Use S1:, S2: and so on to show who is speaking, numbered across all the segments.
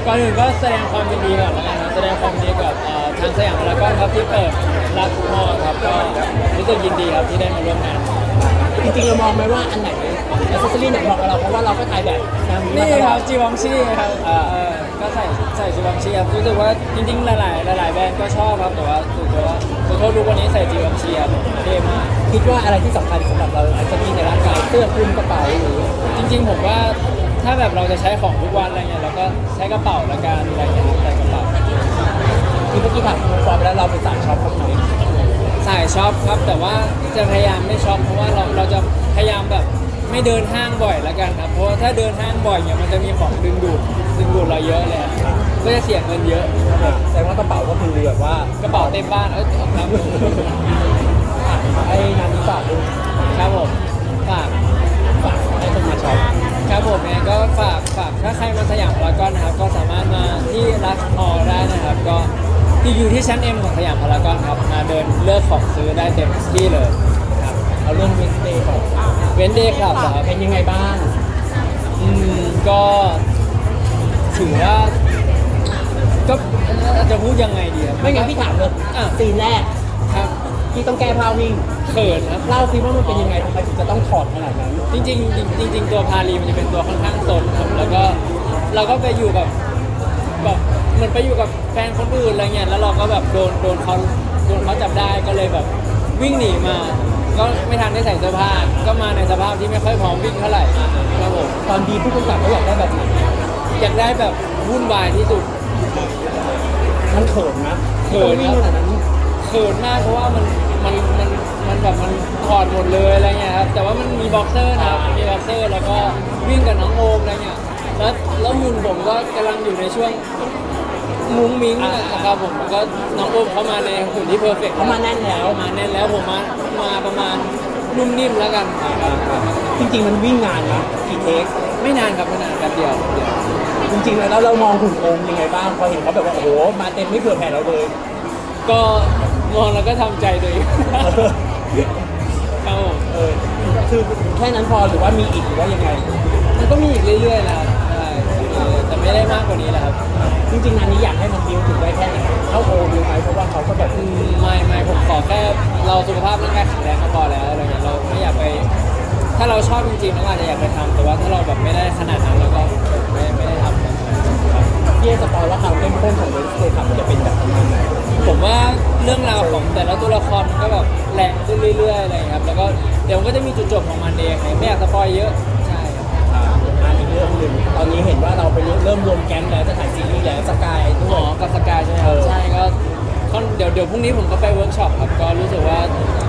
S1: ก่อนอื่นก็แสดงความยินดีก่อนแล้วกันนะแสดงความยินดีกับทางสยามพารากอนครับที่เปิดรับมอครับก็รู้สึกยินดีครับที่ได้มาร่วมงาน
S2: จริงๆเรามองไหมว่าอันไหนแอคเซสซอรี่ไหนเหมาะกับเราเพราะว่าเราก็ถ่ายแบบ
S1: นี่ครับจีวองชี่ครับก็ใส่จีวองชี่ครับรู้สึกว่าจริงๆหลายแบรนด์ก็ชอบครับแต่ว่ารู้สึกว่าโทษรู้วันนี้ใส่จีวองชี่ครับเท่มาก
S2: คิดว่าอะไรที่สำคัญสำหรับเราแอคเซสซอรี่ในร่างกายเสื้อคลุมกระเป๋าหรือ
S1: จริงๆผมว่าถ้าแบบเราจะใช้ของทุกวันอะไรเงี้ยเราก็ใช้กระเป๋าละกันอะไรเงี้ยใส่กระเป๋า
S2: ที่เมื่อกี้ถามคุณฟอร์มแล้วเราเป็นสายช็อปบ้างไหม
S1: สายช็อปครับแต่ว่าจะพยายามไม่ช็อปเพราะว่าเราจะพยายามแบบไม่เดินห้างบ่อยละกันครับเพราะว่าถ้าเดินห้างบ่อยเนี่ยมันจะมีของดึงดูดเราเยอะเลยก็จะเสียเงินเยอะ
S2: แต่ว่ากระเป๋าก็คือแบบว่
S1: ากระเป๋าเต็มบ้านครับ
S2: ไอ้งานนี้ฝากดู
S1: ครับผมฝาก
S2: ให้คนมาช็อป
S1: ครับผมเนี่ยก็ฝากถ้าใครมาสยามพารากอนนะครับก็สามารถมาที่รักออได้นะครับก็ที่อยู่ที่ชั้น M ของสยามพารากอนครับมาเดินเลือกของซื้อได้เต็มที่เลย
S2: ครับเอาเรื่องเวนเดย์ก่อน
S1: เวนเดย์ครับ
S2: เป็นยังไงบ้าง
S1: ก็ถือว่าก็จะพูดยังไงดีครับ
S2: ไม่งั้นพี่ถามเลยซีนแรก
S1: ครับ
S2: ที่ต้องแก้ผ้าวิ่ง
S1: เขินครับ
S2: เล่าซิว่ามันเป็นยังไงทำไมถึงจะต้องถอดขนาดนั้น
S1: จริงตัวพาลีมันจะเป็นตัวค่อนข้างสนครับแล้วก็เราก็ไปอยู่กับแบบเหมือนไปอยู่กับแฟนคนอื่นอะไรเงี้ยแล้วเราก็แบบโดนเขาจับได้ก็เลยแบบวิ่งหนีมาก็ไม่ทันได้ใส่เสื้อผ้าก็มาในสภาพที่ไม่ค่อยพร้อมวิ่งเท่าไหร่ครับผม
S2: ตอนดีผู้กำกับเขาอยากได้แบบไหน
S1: อยากได้แบบวุ่นวายที่สุด
S2: มันเขินนะเขินขนาดนั้น
S1: เขินมากเพราะว่ามันแบบมันถอดหมดเลยอะไรเงี้ยครับแต่ว่ามันมีบ็อกเซอร์นะครับมีบ็อกเซอร์แล้วก็วิ่งกับน้องโอมอะไรเงี้ยแล้วหุ่นผมก็กำลังอยู่ในช่วงมุ้งมิ้งนะครับผมก็น้องโอมเขามาในหุ่นที่เพอร์เฟกต์
S2: เขามาแน่นแล้ว
S1: ผมมาประมาณนุ่มนิ่มแล้วกัน
S2: จริงๆมันวิ่งนานนะกี่เทค
S1: ไม่นานครับไม่นานแป๊บเดียว
S2: จริงๆแล้วเรามองหุ่นโอมยังไงบ้างพอเห็นเขาแบบว่าโอ้โหมาเต็มไม่เผื่อแผ่เราเลย
S1: ก็มองแล้วก็ทำใจตัวเองครับผม
S2: คือแค่นั้นพอหรือว่ามีอีกหรือว่ายังไง
S1: มันก็มีอีกเรื่อยๆนะครับแต่ไม่ได้มากกว่านี้แหละครับ
S2: จริงๆงานนี้อยากให้มันดิวถึงได้แค่ไหนเข้าโอมไหมเพราะว่าเขาก็แบบ
S1: ไม่ผมขอแค่เราสุขภาพร่างกายแข็งแรงก็พอแล้วอะไรเงี้ยเราไม่อยากไปถ้าเราชอบจริงๆเราอาจจะอยากไปทำแต่ว่าถ้าเราแบบไม่ได้ขนาดนั้นเราก็ไม่ได้ทำ
S2: พี่สปอยว่าความเข้มข้นของเรื่องเคยทำมันจะเป็นแบบไหน
S1: ผมว่าเรื่องราวของแต่ละตัวละครมันก็แบบแรงขึ้นเรื่อยๆอะไรครับแล้วก็เดี๋ยวมันก็จะมีจุดจบของมันเองไม่อยากสปอยเยอะใช่
S2: อีกเรื่องหนึ่งตอนนี้เห็นว่าเราไปเริ่มรวมแก๊งแล้วจะถ่ายซีรีส์แล้วสกายด้วย
S1: กับสกายใช่ไหมใช่ก็เดี๋ยวพรุ่งนี้ผมก็ไปเวิร์กช็อปครับก็รู้สึกว่า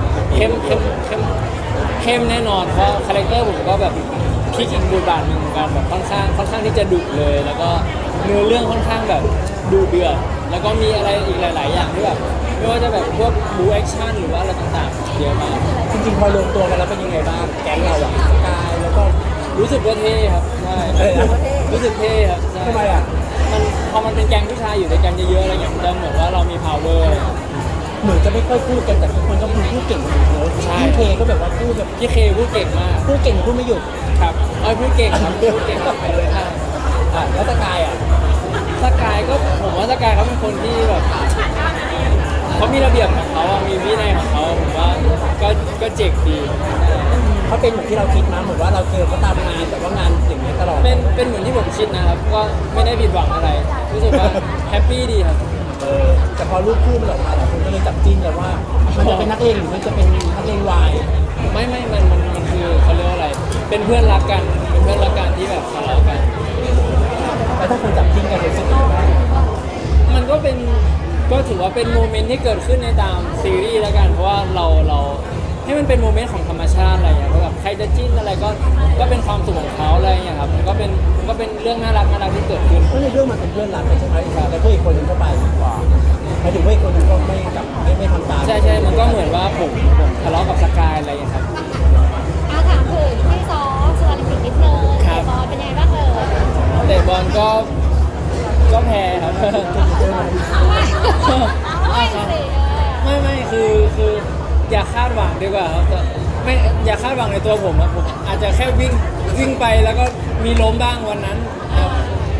S1: เข้มแน่นอนเพราะคาแรคเตอร์ผมก็แบบพลิกอีกบทบาทหนึ่งเหมือนกันแบบค่อนข้างที่จะดุเลยแล้วก็เนื้อเรื่องค่อนข้างแบบดุเดือดแล้วก็มีอะไรอีกหลายๆอย่างที่แบบไม่ว่าจะแบบพวกบูแอคชั่นหรือว่าอะไรต่างๆเยอะมาก
S2: จริงๆพอรวมตัวกันแล้วเป็นยังไงบ้างแก๊งเราอะสกายแล้วก็
S1: รู้สึกว่าเท่ครับใช่รู้สึกเท่ครับ
S2: ทำไมอ่ะ
S1: พอมันเป็นแก๊งผู้ชายอยู่ในแก๊งเยอะๆอะไรอย่างเงี้ยมันเหมือนว่าเรามี power
S2: เหมือนจะไม่ค่อยพูดกันแต่ทุกคนก็พูดเก่งเหมือนกันพี่เคก็แบบว่าพูดแบบ
S1: พี่เคพูดเก่งมาก
S2: พูดเก่งพูดไม่หยุด
S1: ครับพูดเก่งครับพูดเก่งไปเลยครับ
S2: แล้วสกายอ่ะ
S1: สกายก็ผมว่าสกายเขาเป็นคนที่แบบเขามีระเบียบของเขามีวินัยของเขาผมว่าก็เจ๋งดี
S2: เขาเป็นเหมือนที่เราคิดมาเหมือนว่าเราเจอเขาตามงานแต่ว่างานอย่างนี้ตลอด
S1: เป็นเหมือนที่ผมคิดนะครับก็ไม่ได้ผิดหวังอะไรรู้สึกว่าแฮปปี้ดีครับ
S2: แต่พอรูปคู่มันออกมาหลายคนก็เลยจับจิ้นเลยว่ามันจะเป็นนักเลงหรือมันจะเป็นนักเลงวาย
S1: ไม่มันคือเขาเรียกว่าอะไรเป็นเพื่อนรักกันที่แบบทะเลาะกัน
S2: แล้วถ้าคนจับจิ้นกันรู้สึกยังไงบ้าง
S1: มันก็ถือว่าเป็นโมเมนต์ที่เกิดขึ้นในตามซีรีส์แล้วกันเพราะว่าเราให้มันเป็นโมเมนต์ของธรรมชาติอะไรอย่างเงี้ยแบบใครจะจิ้นอะไรก็เป็นความสุขของเขาอะไรอย่างเงี้ยครับมันก็เป็นเรื่องน่ารักที่เกิดขึ้น
S2: เพราะในเรื่องมันเป็นเพื่อนรักกันใช่ไหมแต่เพื่อนอีกคนนึงก็ไปหมายถึงว่าอีกคนนึงก็ไม่ทำตาม
S1: ใช่มันก็เหมือนว่าผมทะเลาะกับสกายอะไรอย่างเงี้ยครับ
S3: ถามถึงที่ซ้อมส่วนอีกนิดนึงเตะบอลเป็นยังไงบ้าง
S1: เตะบอลก็แพ้ครับไม่คืออย่าคาดหวังดีกว่าครับไม่อย่าคาดหวังในตัวผมครับผมอาจจะแค่วิ่งไปแล้วก็มีล้มบ้างวันนั้นครับ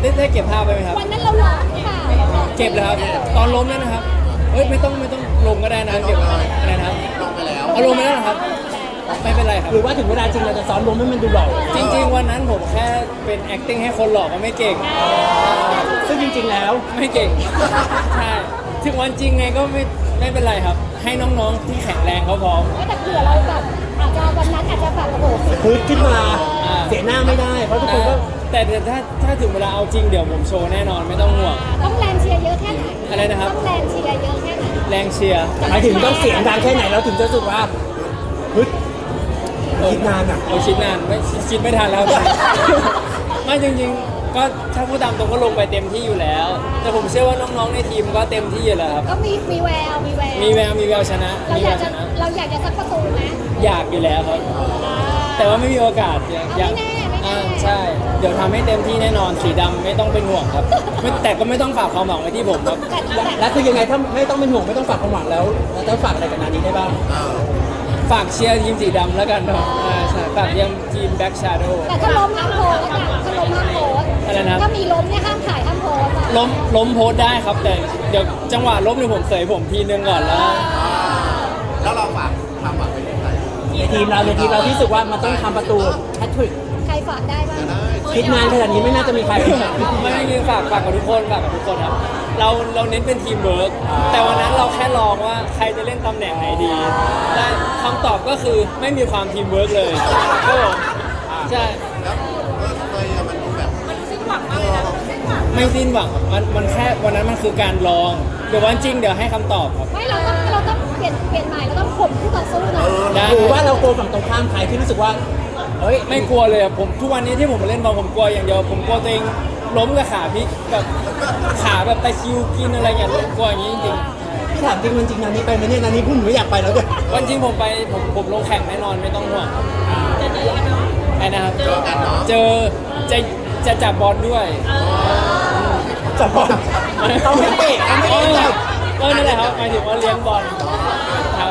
S1: ได้เก็บภาพไปไหมครับ
S3: วันนั้นเราร้องค่ะ
S1: เก็บเลยครับตอนล้มนั่นนะครับเอ้ยไม่ต้องลงก็ได้นะเก็บอะไรนะครับ
S4: ลงไปแล้ว
S1: เอาลงไปแล้วเหรอครับไม่เป็นไรครับ
S2: หรือว่าถึงเวลาจริงเราจะซ้อมลมให้มันดูหล่อ
S1: จริง ๆ วันนั้นผมแค่เป็น acting ให้คนหลอกก็ไม่เก่ง
S2: ซึ่งจริง ๆ แล้ว
S1: ไม่เก่งใช่ถึงวันจริงไงก็ไม่เป็นไรครับ ให้น้องๆที่แข็งแรงเขาพร้อม
S3: แต่เผื่อเราแบบอาจจะวันนั้นอาจจะแบบโอ้โห
S2: พึดขึ้นมาเสียหน้าไม่ได้ เพราะทุกคนก็
S1: แต่ถ้าถึงเวลาเอาจริงเดี๋ยวผมโชว์แน่นอนไม่ต้องห่วง
S3: ต้องแรงเชียร์เยอะแค่ไหน
S1: อะไรนะครับ
S3: ต้องแรงเชียร์เยอะแค่ไหน
S1: แรงเชียร์
S2: หมายถึงต้องเสียงดังแค่ไหนเราถึงจะรู้สึกว่าพึดคิดนานอ่ะ
S1: เอาคิดนานไม่คิดไม่ทันแล้ว ไม่จริงๆ ก็ถ้าพูดตามตรงก็ลงไปเต็มที่อยู่แล้ว แต่ผมเชื่อว่าน้องๆในทีมก็เต็มที่อยู่แล้วครับ
S3: ก็มีแววมีแวว
S1: มีแววชนะ
S3: เรา
S1: มี
S3: อ
S1: แวย
S3: าก
S1: ว
S3: จะ
S1: ชนะ
S3: เราอยากจะสักประตูไหม
S1: อยากอยู่แล้วครับ แต่ว่าไม่มีโอกาสยัง
S3: ไม่แน่
S1: ใช่ เดี๋ยวทำให้เต็มที่แน่นอนสีดำไม่ต้องเป็นห่วงครับแต่ก็ไม่ต้องฝากความหวังไว้ที่ผมครับ
S2: แล้วคือยังไงถ้าไม่ต้องเป็นห่วงไม่ต้องฝากความหวังแล้วเราต้องฝากอะไรกับนานี้ได้บ้าง
S1: ฝากเชียร์ทีมสีดำแล้วกันเนาะใช่ฝากเชียร์ทีมแบ็กชาโดว์
S3: แต่ถ้าล้มห้ามโพสอะถ้าล้มห้ามโพส
S1: อะไรนะครับ
S3: ถ้ามีล้มเนี่ยห้ามถ่ายห้ามโพสอะ
S1: ล้มโพสต์ได้ครับ แต่เดี๋ยวจังหวะล้มเนี่ยผมเสยผมทีนึงก่อนแล้ว
S4: แล้วเราฝากความหวังไปที่ใคร
S2: ในทีมเราที่รู้สึกว่ามันต้องทำประตูแฮตทริก
S3: ใครฝากได้บ้าง
S2: คิดนานขนาดนี้ไม่น่าจะมีใคร
S1: ไม่คือฝากกับทุกคนครับเราเน้นเป็นทีมเวิร์กแต่วันนั้นเราแค่ลองว่าใครจะเล่นตำแหน่งไหนดีและคำตอบก็คือไม่มีความทีมเวิร์กเลยครับผมใช่
S4: แล้วเลยมันดูแบบ
S1: ไม่สิ้นหวังครับมันแค่วันนั้นมันคือการลองเดี๋ยววันจริงเดี๋ยวให้คำตอบครับ
S3: ไม่เราต้องเปลี่ยนใหม่เราต้องข่มคู่ต่อสู้หน่อย
S1: ได้
S2: หรือว่าเราโกลัวฝั่งตรงข้ามใครที่รู้สึกว่าเฮ้ย
S1: ไม่กลัวเลยอะผมทุกวันนี้ที่ผมมาเล่นบอลผมกลัวอย่างเดียวผมกลัวตัวเองล้มกับขาพลิกแบบขาแบบตะคริวกินอะไรอย่างเงี้ยกลัวอย่างนี้จริง
S2: พี่ถามจริงมันจริงนานี้ไปไหมเนี่ยนานี้พูดหนูไม่อยากไปแล้วด้วย
S1: ๆวันจริงผมไปผมลงแข่งแน่นอนไม่ต้องห่วงไอ้นะครับ
S4: เจอกันเนาะ
S1: เจอจะจับบอลด้วย
S2: จับบอลเขาไม่เตะเขาไม่
S1: อ๋อ
S2: เตะ
S1: ก็นั่นแหละครับหมายถึงว่าเลี้ยงบอลครับ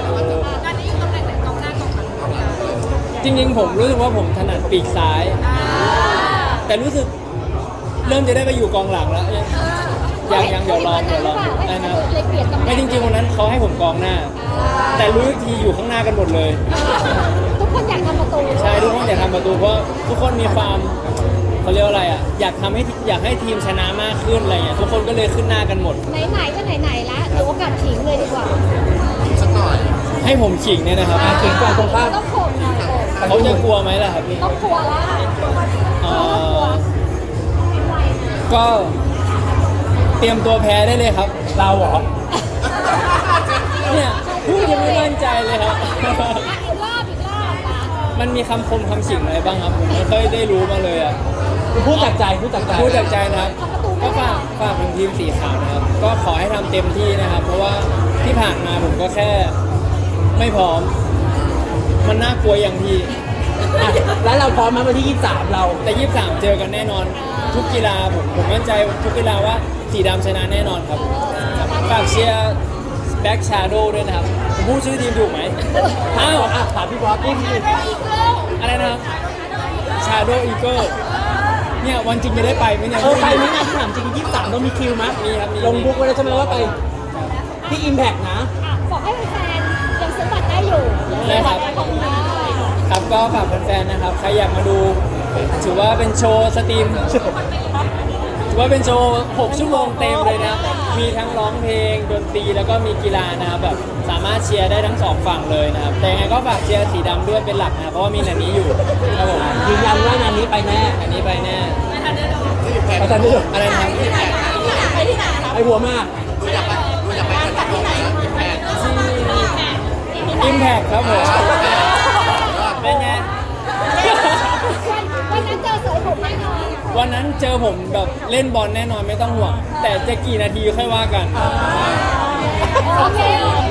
S1: จริงๆผมรู้สึกว่าผมถนัดปีกซ้าย แต่รู้สึกเริ่มจะได้ไปอยู่กองหลังแล้วยังเดี๋ยวลองได้นะ
S3: เลยเปลี่ยนตำแหน่ง
S1: ไม่จริงๆวันนั้นเขาให้ผมกองหน้า แต่รู้อีกทีอยู่ข้างหน้ากันหมดเลย
S3: ทุกคนอยากทำประตู
S1: ใช่ทุกคนอยากทำประตูเพราะทุกคนมีความเขาเรียกว่าอะไรอ่ะอยากให้ทีมชนะมากขึ้นอะไรเงี้ยทุกคนก็เลยขึ้นหน้ากันหมด
S3: ไหนๆก็ไหนๆละเดี๋ยวโอกาสขิงเลยดีกว่า
S4: สักหน่อย
S1: ให้ผมขิงเนี่ยนะครับ
S2: เก่งกว่าตรงข้าม
S3: ต้องข่มหน่อยข่ม
S1: เขาจะกลัวไหมล่ะครับพี่
S3: ต้องกลัวละ
S1: เอ่
S3: ต้องกลัว
S1: อก็เตรียมตัวแพ้ได้เลยครับ
S2: เราเหรอ
S1: เนี่ยพูดยังไม่มั่นใจเลยครับ
S3: อีกรอบนะ
S1: มันมีคำคมคำฉิงอะไรบ้างครับผมไม่ค่อยได้รู้มาเลยอ่ะ
S2: พูดจากใจพูดจากใจ
S1: พูดจากใจนะครับก็ฝากถึงทีมสีขาวนะครับ ก็ขอให้ทำเต็มที่นะครับ เพราะว่าที่ผ่านมาผมก็แค่ไม่พร้อม มันน่ากลัวอย่างที่
S2: อ่ะแล้วเราพร้อมไหมวันที่ 23 เรา
S1: แต่23เจอกันแน่นอน ทุกกีฬาผมมั่นใจทุกกีฬาว่าสีดำชนะแน่นอนครับฝากเชียร์แบ็กชาโดด้วยนะครับผมพูดชื่อทีมถูกไหมอ้าว
S2: อ่ะถามพี่บอสพูดสิ
S1: อะไรนะครับชาโดอีเกิลเนี่ยวันจริงจะได้ไปไหมเนี่ย
S2: ไปไหมนะถามจริง 23ต้องมีคิวไหม
S1: มีครับมี
S2: ลงบุ๊กไว้แล้วใช่ไหมว่าไปที่ Impact นะ
S3: บอกให้แฟนยังซื้อบัตรได้อยู่ซื้อบัตรได้ของได้
S1: ครับก็ฝากแฟนๆนะครับใครอยากมาดูถือว่าเป็นโชว์สตรีมถือว่าเป็นโชว์6ชั่วโมงเต็มเลยนะครับมีทั้งร้องเพลงดนตรีแล้วก็มีกีฬานะครับแบบสามารถเชียร์ได้ทั้งสองฝั่งเลยนะครับแต่ยังไงก็ฝากเชียร์สีดำด้วยเป็นหลักนะเพราะว่ามีหนันนี้อยู่ครับผม
S2: ยืนยันว่านานนี้ไปแน่
S1: อันนี้ไปแน่
S2: อาจารย์ดู
S1: อะไรนะครับ
S2: ไอหัวมาก
S4: ดูอยากไปกันที่ไหนแพทย์
S1: อิมแพคครับผมเป็นไง
S3: วันนั้นเจอเสยผมแน่นอน
S1: วันนั้นเจอผมแบบเล่นบอลแน่นอนไม่ต้องห่วงแต่จะกี่นาทีค่อยว่ากัน
S3: โอเคโอเค